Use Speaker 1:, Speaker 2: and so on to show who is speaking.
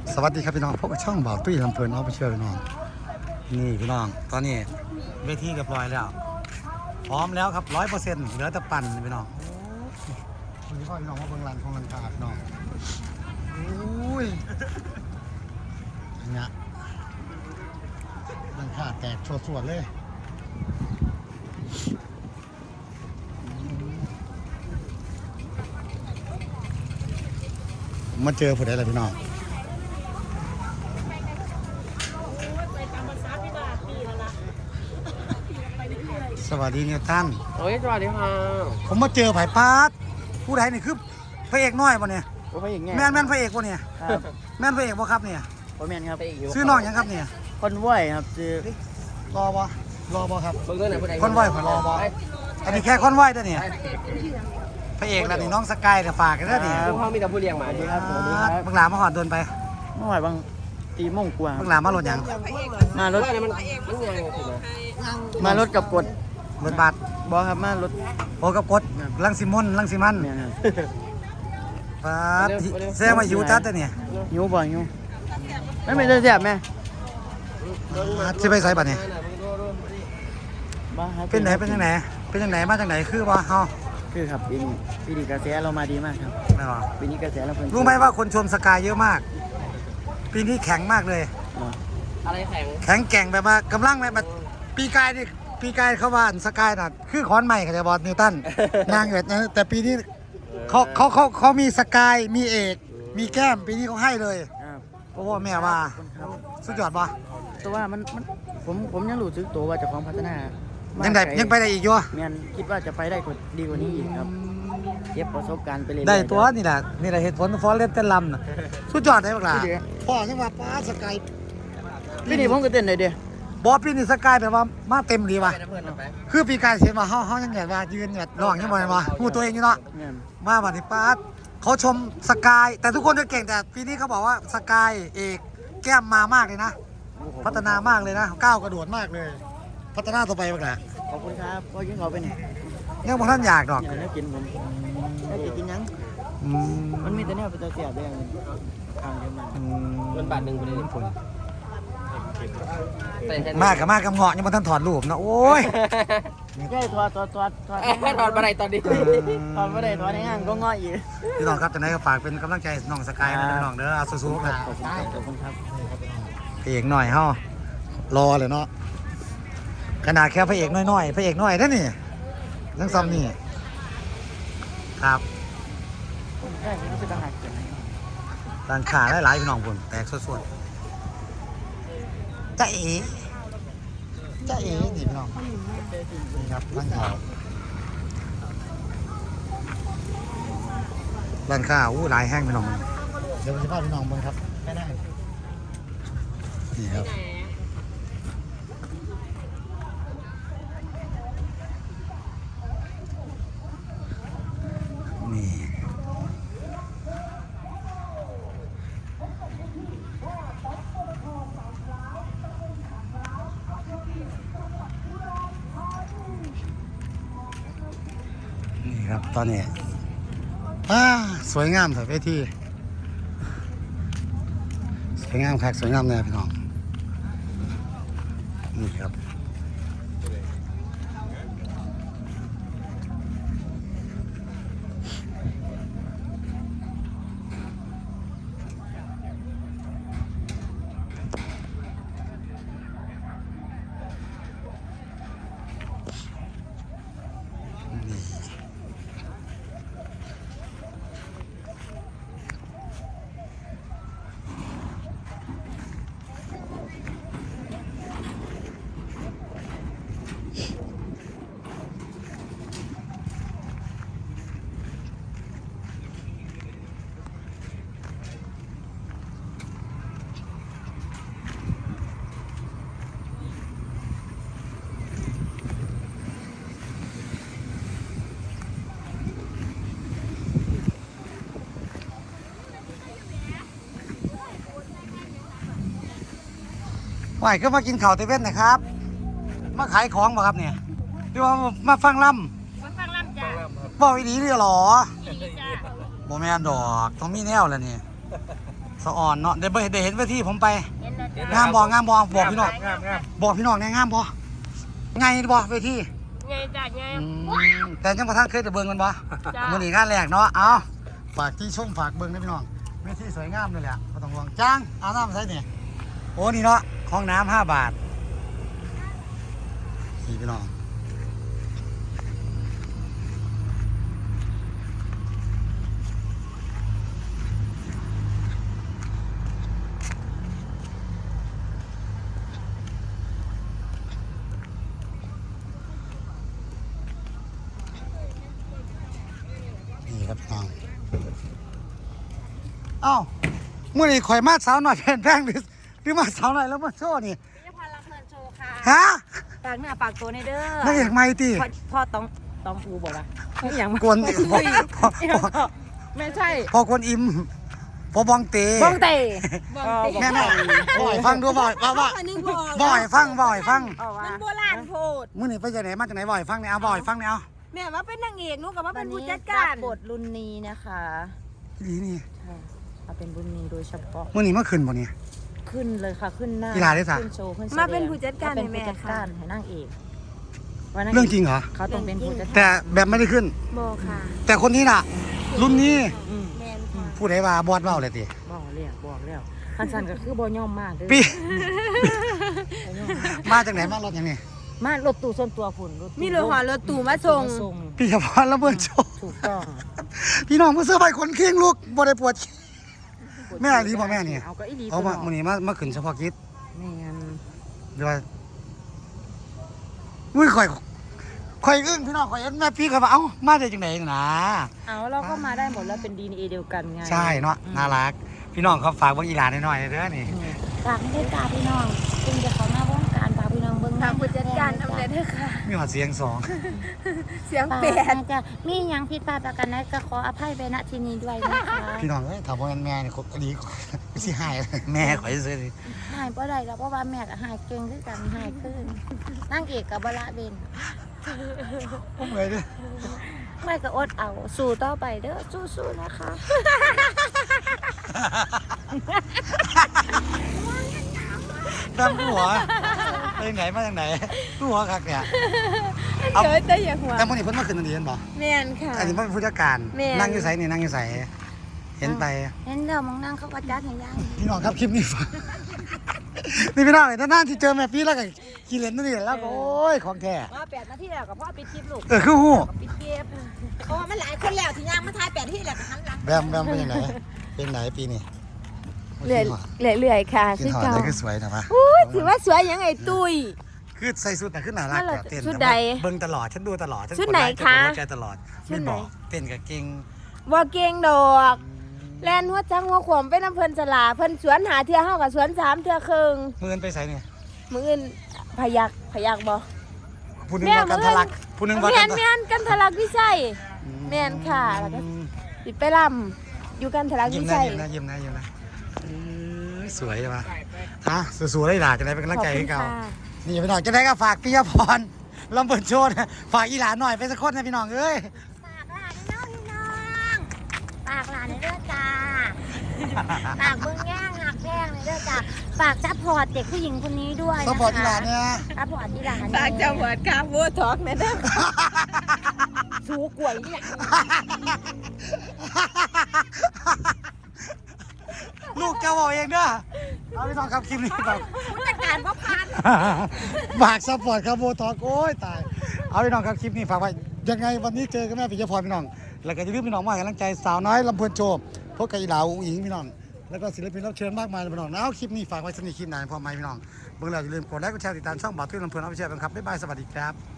Speaker 1: สวัสดีครับพี่น้องพบกับช่องบ่าวตุ้ยลำเพลินเอาไปเชื่อพี่น้องนี่พี่น้องตอนนี้เวทีเรียบร้อยแล้วพร้อมแล้วครับ100%เหลือแต่ปั่นพี่น้องวันนี้พ่อพี่น้องมาเบิ่งรันของรันขาดพี่น้องอุ้ยเนี่ยรันขาดแตกสวดๆเลยมาเจอผู้ใดล่ะพี่น้องสวัสดีนิวตัน
Speaker 2: โอ้ยสวัสดีค่ะ
Speaker 1: ผมมาเจอไผ่ปาดผู้ใดนี่คือพระเอกน้อยป่ะเนี่ย
Speaker 2: โอ้พระเอกไง
Speaker 1: แม่นพระเอกป่ะเนี่ยแม่นพระเอกป่ะครับเนี่ย
Speaker 2: โอ้แม่นครับ
Speaker 1: ซื้อน้องยังครับเนี่ย
Speaker 2: คนว่ายครับซื้อ
Speaker 1: รอป่ครับ
Speaker 2: เบิ่งด้วยนะผู้ใด
Speaker 1: คนว่ายผมรอป่อันนี้แค่คนว่ายตัวเนี่ยพระเอกแล้วนี่น้องสกายแต่ฝากกันแล้วนี่
Speaker 2: พวกเขามีแต่ผู้เลี้ยงหมาดีครับสวัสดีครับ
Speaker 1: บังหลามาหอดโดนไป
Speaker 2: เมื่อวานบางตีโมงกว่า
Speaker 1: บังหลามารถยัง
Speaker 2: มารถมันยังถูกไหมมารถกับกด
Speaker 1: รถบัส
Speaker 2: บอครับมารถ
Speaker 1: โอ้กับกดลังสิมันปาดแซงมาอยู่จัดตัวเนี่ย
Speaker 2: หิวบ่หิวไม่ได้แซ่บแม่
Speaker 1: จะไปใส่บัตรเนี่ยเป็นไหนมาจากไหนคือว่าเฮา
Speaker 2: คือครับปีนี้กระแสเรามาดีมากครับ
Speaker 1: ไม่หรอ
Speaker 2: ปีนี้กระแสเรา
Speaker 1: รู้ไหมว่าคนชมสกายเยอะมากปีนี้แข็งมากเลย
Speaker 2: อะไร
Speaker 1: แข็งแกร่งแบบว่ากำลังแบบปีกายเขาว่าสกายน่ะคือค้อนใหม่กับจะบอลนิวตันนางแบบนั้นแต่ปีนี้เขามีสกายมีเอกมีแก้มปีนี้เขาให้เลยเพราะว่าแม่ว่าสุดยอดปะ
Speaker 2: แต่ว่ามันผมยังรู้สึกตัวว่าจะของพัฒนา
Speaker 1: ยังไปได้อีกอยู่
Speaker 2: แม่นคิดว่าจะไปได้ดีกว่านี้อีกครับเก็บประสบการณ์ไปเลย
Speaker 1: ได้ตัวนี่แหละเหตุผลฟอร์เรสเต้นลำน่ะสุดยอดเลยพวกเราพ่อยังว่าป้าสกาย
Speaker 2: ปีนี้ผมก็เต้นเลยเดียว
Speaker 1: บอปีนี้สกายแบบว่ามาเต็มดีว่ะคือปีกายเห็นว่าเฮายังไงว่ายืนแบบร้องยังไงวะพูดตัวเองอยู่เนาะมาวันนี้ป้าเขาชมสกายแต่ทุกคนจะเก่งแต่ปีนี้เขาบอกว่าสกายเอกแก้มมามากเลยนะพัฒนามากเลยนะก้าวกระโดดมากเลยพัฒนาต่อไปบ้างแหละ
Speaker 2: ขอบคุณครับก็ยิ่งเอาไปเนี่ย
Speaker 1: เนี่ยพวกท่านอยากดอก
Speaker 2: อยากกินผมอยากกินยังมันมีแต่เนี่ยเป็นตัวเสียบได้ยังทางเดียวมันบาทหนึ่งไปเลยผล
Speaker 1: มากกับเงาะยังมาท่านถอดรูปนะโอ้ย
Speaker 2: ใช่ถอดมาได้ตอนนี้ถอดมาได้ถอดในห้างก็เงาะอีก
Speaker 1: พี่น้องครับจะไหนก็ฝากเป็นกำลังใจน้องสกายนะพี่น้องเด้อสู้ๆครับ
Speaker 2: ขอบคุณครับ
Speaker 1: พระเอกหน่อยเฮารอเลยเนาะขนาดแค่พระเอกน้อยพระเอกน้อยนั่นนี่เรื่องซ้ำนี่ครับร้านขาหลายๆพี่น้องผมแตกส่วนจ้าเอ๋นี่พี่น้องนี่ครับร้านข้าวหลายแห้งพี่น้องเดี๋ยวจะพาพี่น้องเบิ่งครับไม่ได้นี่ครับนี่ครับตอนนี้สวยงามเถอะเวทีสวยงามครับสวยงามเลยพี่น้องนี่ครับว่ายก็มากินข้าวเตเว่นนะครับมาขายของบ่ครับเนี่ยพี่ว่ามาฟังลำ
Speaker 3: จ้ะ
Speaker 1: บอกอีดีเลยหรอโมแมนดอกต้องมีแนวแล้วนี่สสะอ่อนเนาะได้เห็นเวทีผมไป
Speaker 3: เห็นแล้วจ้ะ
Speaker 1: งามบ่บอกพี่น้อง
Speaker 2: งาม
Speaker 1: บอกพี่น้องเนี่ยงามบ่ไงบ่เวที
Speaker 3: ไงจ้ะไง
Speaker 1: แต่ยังบ่ทันเคยจะเบิ่งมันบ่
Speaker 3: จ้ะ
Speaker 1: มื้อนี้งานแรกเนาะเอาฝากที่ชมฝากเบิ่งนะพี่น้องเวทีสวยงามเลยแหละบ่ต้องห่วงจ้างเอาน้ำใส่นี่โอ้นี่เนาะห้องน้ำ5 บาทนี่พี่น้องนี่ครับพี่น้องเอ้ามื้อนี้ข่อยมาสาวหน่อยแพงหรือมาสาวหน่อยแล้วมาโชว์นี่
Speaker 3: พิพิธภัณฑ์ลำเพลินโชว์ค่ะ
Speaker 1: ฮะ
Speaker 3: ฝากเนื้อฝากตัวในเด้อ
Speaker 1: นางเอกใหม่ติ
Speaker 3: พ่อต้องอูบอกว่าไม่อย่าง
Speaker 1: กวน
Speaker 3: ไม่ใช่
Speaker 1: พอกวนอิ่มพอบองเต
Speaker 3: บ้องเตะ
Speaker 1: แม่บ่อยฟังดูบ่อยว่า
Speaker 4: อันนึงบอก
Speaker 1: บ่อยฟัง
Speaker 4: มันโบราณโพด
Speaker 1: มื้อนี้ไปจากไหนมาจากไหนบ่อยฟังเนี่ยเอาบ่อยฟังเนี่ยเอา
Speaker 4: แม่ว่าเป็นนางเอกหนูกับว่า
Speaker 3: วั
Speaker 4: เป็น นผู้
Speaker 3: นี้
Speaker 4: จัดการ
Speaker 3: บทรุ่นนี้นะคะ
Speaker 1: อีหลีนี่
Speaker 3: ใช่เอาเป็นรุ่นนี้โดยเฉพาะ
Speaker 1: มื้อนี้มาขึ้นบ่เนี่ย
Speaker 3: ขึ้นเลยค่ะขึ้นหน้า
Speaker 1: กีฬาได้สะ
Speaker 3: ขึ้นโชว์ขึ้นแสดง
Speaker 4: มาเป็นผู้จัดการ
Speaker 3: เป็
Speaker 4: ให้
Speaker 3: น
Speaker 4: แม่
Speaker 3: ผู้จัด
Speaker 4: ค่ะ
Speaker 3: การให้นางเอกว่านาง
Speaker 1: เรื่องจริงเหรอ
Speaker 3: เขาต้องเป็นผู้จัดการ
Speaker 1: แต่แบบไม่ได้ขึ้น
Speaker 4: บอค่ะ
Speaker 1: แต่คนนี้น่ะ รุ่นนี้
Speaker 4: แมนค่ะ
Speaker 1: ผู้ใดว่าบอดเว้าเลยติ
Speaker 3: บอกแล้วคันสันก็คือบ่ย่อมมากเด้อ
Speaker 1: ปี
Speaker 3: บ่ย่อมมาก
Speaker 1: มาจากไหนมารถอย่างนี้
Speaker 3: มารถตู้ส่วนตัวฝุ่นรถตู้
Speaker 4: มีรถหอรถตู่มาส่ง
Speaker 1: พี่เฉพาะระเบิดโชว์
Speaker 3: ถูกต้อง
Speaker 1: พี่น้องผู้เสื้อใบคนเคียงลูกบ่ได้ปวดขี้แม่ดีบ่แม่นี่
Speaker 3: เอาก็อีหลี
Speaker 1: เอามามื้อนี้มาขึ้นเฉพาะกิจ
Speaker 3: แม่น
Speaker 1: เดี๋ยวอุ้ยข่อยอึ้งพี่น้องข่อยเห็นแม่พี่เขาว่าเอ้ามาได้จังไหนนะ
Speaker 3: เอาเราก็มาได้หมดแล้วเป็น DNA เดียวกันไง
Speaker 1: ใช่เนาะน่ารัก พี่น้องเขาฝากเบิ่งอีหลานหน่อยๆเด้อนี่
Speaker 3: ฝากไม่ได้กาพี่น้องซึ่งจะเขาหน้าวงการฝากพี่น้องเบิ่ง
Speaker 4: ทางผู้จัดการอำเภอเด้อค่ะ
Speaker 1: มีหอดเสียงสอง
Speaker 4: เสียง
Speaker 3: ฝาก
Speaker 4: เปลี่ยน
Speaker 3: นะจะมีหยังผิดพลาดประกันใดก็ขออภัยไปณที่นี้ด้วยนะคะ
Speaker 1: พี่น้องเอ้ยถ้าบ่แม่นแม่นี่ครบดีสิหายแม่ข่อยซื่อๆนี่
Speaker 3: หายบ่ได้แล้วเพราะว่าแม่ก็หายเก่งคือกันหายขึ้นนางเอกกับบละเบน
Speaker 1: ผมเลยเด้อ
Speaker 3: ไม่ก็อดเอาสู้ต่อไปเด้อสู้ๆนะคะ
Speaker 1: ดำหัวไปไหนมาจากไหนหัวคักเนี่ยเอา
Speaker 4: เจอแต่อย่าหัว
Speaker 1: แต่มื้อนี้เพิ่นมาขึ้นอันนี้เห็นบ่
Speaker 4: แมนค่ะ
Speaker 1: อันนี้มันเป็นผู้จัดการ
Speaker 4: แม่
Speaker 1: นั่งอยู่ไสนี่นั่งอยู่ไสเห็นไป
Speaker 3: เห็นเดี๋ยวมองนั่งเขาก็จัดให้ย่าง
Speaker 1: พี่น้องครับคลิปนี้ฝาก นี่พี่น้องเลยนานๆที่เจอแม่พี่แล้วก็ขี่เล่นนี่แล้วก็โอ้ยของแท้
Speaker 4: มา8 นาทีแล้วกับพ่อปิดคลิปลูก
Speaker 1: คือฮู้
Speaker 4: ปิดเก็บเพราะว่ามันหลายคนแล้วที่ย่างมาทาย8 นาทีแล้วก็หันหลัง
Speaker 1: แบมเป็นยังไงเป็นไหนปีนี้
Speaker 4: เรื่อยๆค่ะ
Speaker 1: กินหอดได้คือสวยนะปะ
Speaker 4: อุ้ยถือว่าสวยยังไงตุ้ย
Speaker 1: คือใส่สุดแต่ขึ้นหนารักแต่เต้น
Speaker 4: ชุดใด
Speaker 1: เบิ่งตลอดฉันดูตลอดฉัน
Speaker 4: ชุดไหน
Speaker 1: กล
Speaker 4: คะ
Speaker 1: หัวใจตลอด
Speaker 4: ชุ
Speaker 1: ไม่
Speaker 4: ดไหน
Speaker 1: บอกเต้นกับเก่ง
Speaker 4: บ่เก่งดอกแลนหัวจังหัวขวมไปน้ำเพิ่นสลาเพิ่นสวนหาเทื่อเฮากับสวน3 เทื่อครึ่ง
Speaker 1: เมื่อนไปใส่เนี่ย
Speaker 4: มื้ออื่นพยักบ่
Speaker 1: ผู้หนึง
Speaker 4: แม่
Speaker 1: ว่ากันทะลักผู้หนึงว่า
Speaker 4: แม่
Speaker 1: กัน น
Speaker 4: แม่นกันทะลักวิชัย แม่นค่ะแล้วก็ ปิดไปลำอยู่กันทะลัก
Speaker 1: ยิ้ม
Speaker 4: วิ
Speaker 1: นะ
Speaker 4: ชัย
Speaker 1: ยิ้มนะสวยใช่ปะฮะสู้ๆได้หล่ะจะได้เป็นกำลังใจให้เขา นี่พี่น้องจะได้ก็ฝากปิยพรลำเบิดโชดฝากอีหลานหน่อยไปสักคนนะพี่น้องเอ้ย
Speaker 3: ฝากหลานในเด้อจ้าฝากเบิ่งแย่งหักแพงในเด้อจ้าฝากซัพพอร์ตเด็กผู้หญิงคนนี้ด้วย
Speaker 1: สปอร์ตอีหลานเนี่ย
Speaker 3: ซัพพอร์ตอีหลาน
Speaker 4: ฝากจังหวัดคาโบทอกนะเด้อ
Speaker 3: ชูกล้วยนี่แหละ
Speaker 1: ลูกเจ้าบอกเองเด้อเอาพี่น้องครับคลิปนี้ครับ
Speaker 4: ผู้จัดการพ่อพัน
Speaker 1: ฝากสปอร์ตครับโบทอกโอ้ยตายเอาพี่น้องครับคลิปนี้ฝากไว้ยังไงวันนี้เจอกับแม่ปิยพรพี่น้องแล้วก็อย่าลืมพี่น้องมาให้กำลังใจสาวน้อยลำเพลินโชว์พบกับอีหลาอุ้งอิงพี่น้องแล้วก็ศิลปินรับเชิญมากมายเลยพี่น้องเอาคลิปนี้ฝากไว้สนิทคลิปไหนพอไหมพี่น้องเบิ่งแล้วอย่าลืมกดไลค์กดแชร์ติดตามช่องบ่าวตุ้ยลำเพลินเอาไปแชร์กันครับบ๊ายบายสวัสดีครับ